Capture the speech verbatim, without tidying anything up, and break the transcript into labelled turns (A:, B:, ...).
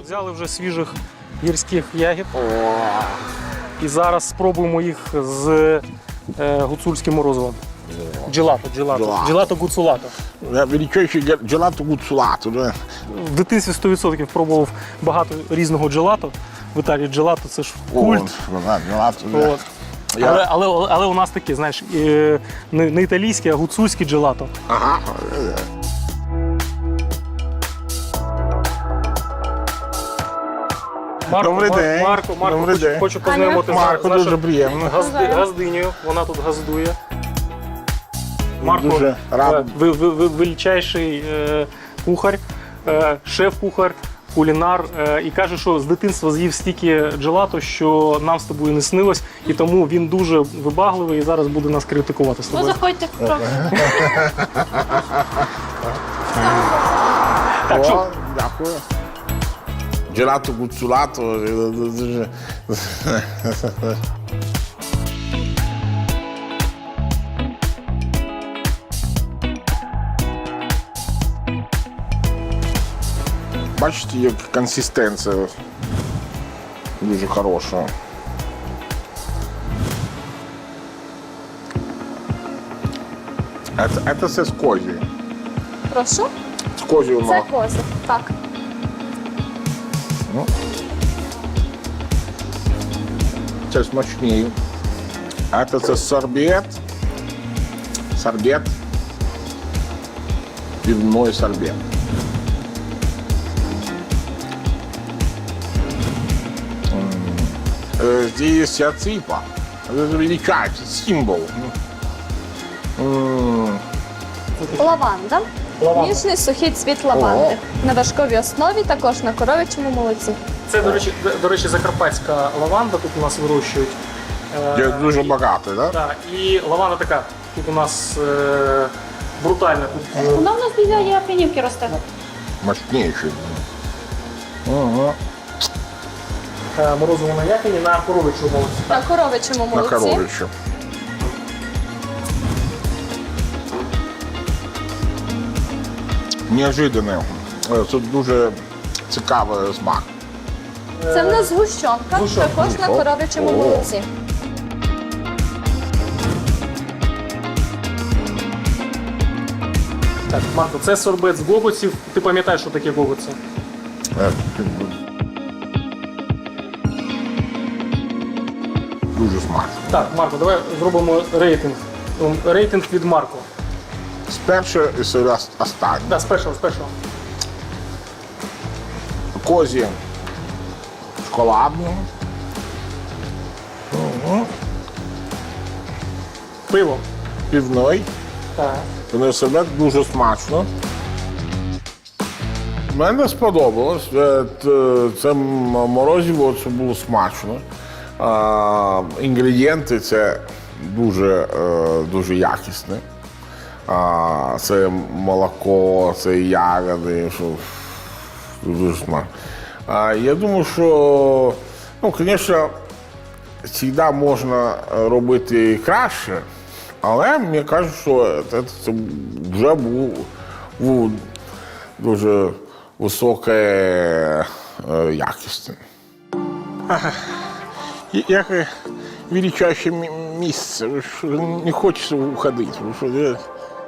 A: Взяли вже свіжих гірських ягід. І зараз спробуємо їх з е, гуцульським морозивом. Джелато, джелато.
B: Джелато.
A: Джелато гуцулато.
B: Величайший джелато гуцулато. Да?
A: В дитинстві сто відсотків пробував багато різного джелато. В Італії джелато це ж культ.
B: О, да, джелато, да.
A: От.
B: Я-
A: Але, але, але у нас таке, знаєш, е, не, не італійське, а гуцульське джелато.
B: Ага.
A: Марко,
B: Добрий
A: Мар-
B: день.
A: Марко, Марко,
B: Добрий
A: хочу,
B: день.
A: хочу познайомити
B: Марко,
A: з нашою
B: дуже приємно.
A: газди, газдинею. Вона тут газдує. Марко,
B: Дуже радий.
A: е, ви, ви, ви, величайший е, кухар, е, шеф-кухар, кулінар. Е, і каже, що з дитинства з'їв стільки джелато, що нам з тобою не снилось. І тому він дуже вибагливий і зараз буде нас критикувати з
C: Ну,
A: тобою.
C: заходьте в профіль.
A: Так, що?
B: О, дякую. Джелато гуцулато. Дуже... Бачите, як консистенція дуже хороша. Це, це все з козі.
C: Прошу.
B: З козього
C: Це
B: молока.
C: козир. Так.
B: Це смачніше. А це, це сорбет. Сорбет. Пивной сорбет. М. Э, Здесь аципа. Это величайший символ. М.
C: Лаванда.
A: Лаванда.
C: Ніжний сухий цвіт лаванди. На вершковій основі, також на коров'ячому молоці.
A: Це, до речі, до- до речі, закарпатська лаванда тут у нас вирощують. Е,
B: Це дуже багато, да?
A: Так, і лаванда така, тут у нас е, брутальна. Тут е,
C: Вона в нас біля Япінівки росте.
B: Мощнейший. Ага.
A: е, морозиво на япіні на коровичому молоці.
C: На коров'ячому
B: На
C: молоці.
B: коровичу. Неожиданне. Е, Це дуже цікавий смак.
C: Це в нас згущенка,
A: Згущенка.
C: також на
B: О.
C: коров'ячому
B: О.
C: молоці.
A: Так, Марко, це сорбет з гогоців. Ти пам'ятаєш, що таке гогоці?
B: Е, Дуже смачно.
A: Так, Марко, давай зробимо рейтинг. Ем, Рейтинг від Марко.
B: Спершу і все останнє.
A: Да, з першого, з першого.
B: Козі шоколадну.
A: Пиво.
B: Півной.
A: Так.
B: Вони себе дуже смачно. Мені сподобалось. Е, т- Це м- морозиво, це було смачно. А, інгредієнти це дуже, е, дуже якісне. А, це молоко, це ягоди, що дуже смачно. А, я думаю, що, ну, звісно, завжди можна робити краще, але мені кажуть, що це, це вже був, був дуже високе е, якість. Як величайше місце, що не хочеться уходити. Що,